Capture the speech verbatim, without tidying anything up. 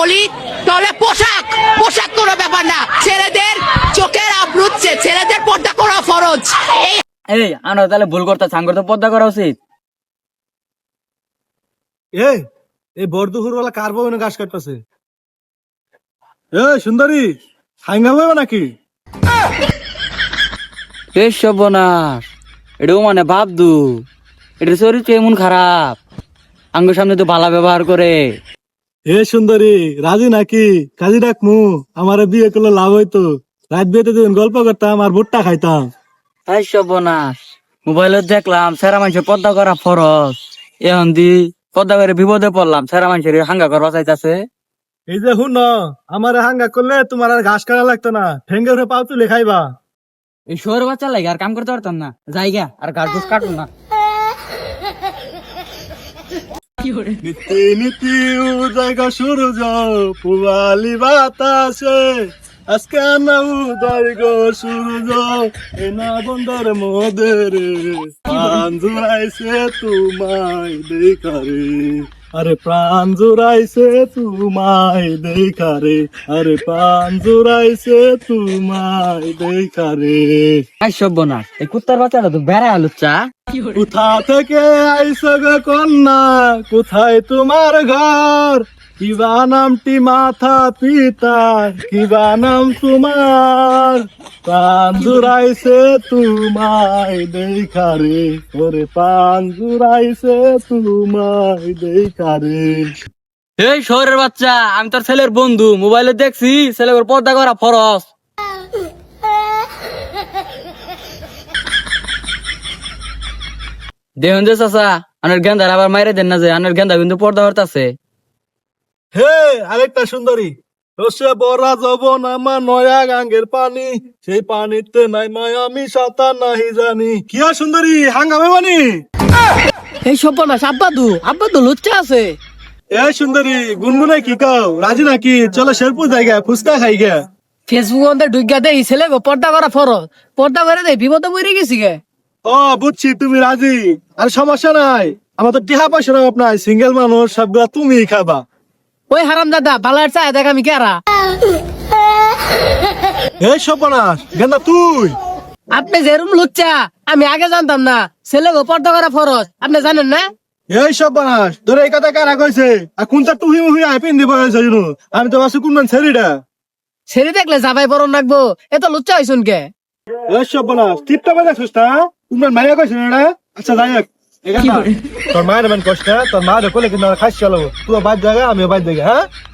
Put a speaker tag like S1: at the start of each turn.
S1: বলি তাহলে পোশাক পোশাক কোনো ব্যাপার না, ছেলেদের চোখের আবরুচ্ছে, ছেলেদের পর্দা করা ফরজ। এই
S2: এই আমরা তাহলে ভুল করতে সাঙ্গর তো পর্দা করা উচিত।
S3: এই এই বর্দুহুর ওলা কার বউ ঘাস কাটতেছে? এ সুন্দরী হাঙ্গা বইব নাকি?
S2: এই সর্বনাশ, এটাও মানে ভাবদু, এটা চরিত্র এমন খারাপ, আঙ্গুর সামনে তো ভালো ব্যবহার করে।
S3: এ সুন্দরী রাজি নাকি? কাজী ডাকমু, আমারে বিয়ে করলে লাভ হইতো। রাত বিয়েতে দিন গল্প করতাম আর ভুট্টা খাইতাম।
S2: এই সর্বনাশ, মোবাইলত দেখলাম সেরা মানুষের পর্দা করা ফরজ, এখন দি পর্দা করে বিপদে পড়লাম, সেরা মানুষের হাঙ্গা করবা চাইতাছে।
S3: এই যে হুন আমারে হাঙ্গা করলে তোমার আর ঘাস কাটা লাগতো না, ঠেঙ্গে উঠে পাও তুলে খাইবা।
S2: এই শহর বাচ্চা লাগে আর কাম করতে পারতাম না, জায়গা আর গাছ গুছ কাটুন না।
S3: নীতি নীতি উদয় সূর্য পুবালি বাতাসে, আজকে না উদয় গো সূর্য এনা বন্দর মোদের প্রাণ জুড়াইছে তোমায় দেখারে, আরে প্রাণ জুড়াইছে তোমায় দেখারে, আরে প্রাণ জুড়াইছে তোমায় দেখারে।
S2: এই সর্বনাশ, এই কুত্তার বাচ্চাটা তো বেড়া আলুচ্চা।
S3: কোথা থেকে আইসো গো কন্যা, কোথায় তোমার ঘর, কিবা নামটি মাথা পিতা, কিবা নাম তোমার, প্রাণ জুড়াইছে তোমায় দেখারে, ওরে প্রাণ জুড়াইছে তোমায় দেখারে।
S2: এই শহরের বাচ্চা, আমি তোর ছেলের বন্ধু, মোবাইলে দেখছি ছেলের পর্দা করা ফরজ। দেখুন যে চাচা, আনের গেন্দার আবার মাইরে দেন না, যে আনের গেন্দা কিন্তু পর্দা করতেছে।
S3: হে আরেকটা সুন্দরী, রসে বরা যবন আমার নয়া গাঙ্গের পানি, সেই পানিতে নাই মায় আমি সাঁতার নাহি জানি। কি আর সুন্দরী হাঙ্গামে মানি?
S1: এই সর্বনাশ, আব্বাদু আব্বাদু লুচ্চা আছে।
S3: এ সুন্দরী গুনগুনে কি কাও, রাজি নাকি? চলো শেরপুর জায়গা ফুচকা খাই গে।
S1: ফেসবুক অন্ধে ঢুকিয়া দেই ছেলে গো পর্দা করা ফরজ, পর্দা করে দেই বিপদে পড়ে গেছি গে।
S3: ও বুঝছি তুমি রাজি, আর সমস্যা নাই, আমার তো টিহা পয়সা অভাব নাই, সিঙ্গেল মানুষ সবগুলা তুমি খাবা।
S1: ওই হারাম দাদা বালার চায় দেখ আমি কেরা।
S3: এই সপনাস গেন্দা তুই,
S1: আপনি যেরুম লুচ্চা আমি আগে জানতাম না, ছেলে গো পর্দা করা ফরজ আপনি জানেন না?
S3: এই সপনাস তোর এই কথা কারা কইছে? আর কোনটা তুই মুহি আই পিন দিব হয়েছে জানো? আমি তো আছি কোন ছেড়িটা।
S1: ছেড়ে দেখলে যাবাই বরণ রাখবো, এত লুচ্চা হইছুন কে?
S3: এই সপনাস টিপটা বাজা সুস্তা কোন মাইয়া কইছে না? আচ্ছা যাই হোক, এখানে তোর মায়ের মান কষ্ট, তোর মা রে কোলে কিনা খাইছ চলো, তুই বাদ জায়গা আমি বাদ জায়গা। হ্যাঁ